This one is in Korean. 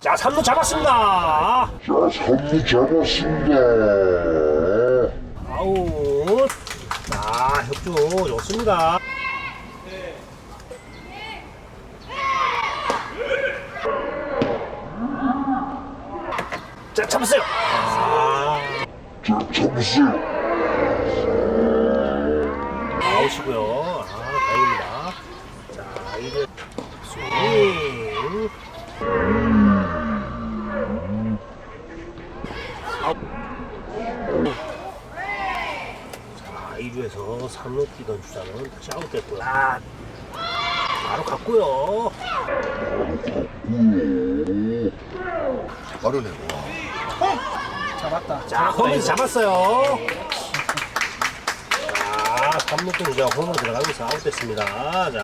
자, 3루 잡았습니다. 아웃. 자, 혁주 좋습니다. 자, 잡았어요. 아웃이고요. 다행입니다. 자, 이제 스윙. 아웃. 자, 2루에서 3루 뛰던 주자는 다시 아웃됐고요. 바로 갔고요. 빠르네. 잡았다. 자, 홈에서 잡았어요. 자, 3루 뛰는 주자가 홈으로 들어가면서 아웃됐습니다. 자.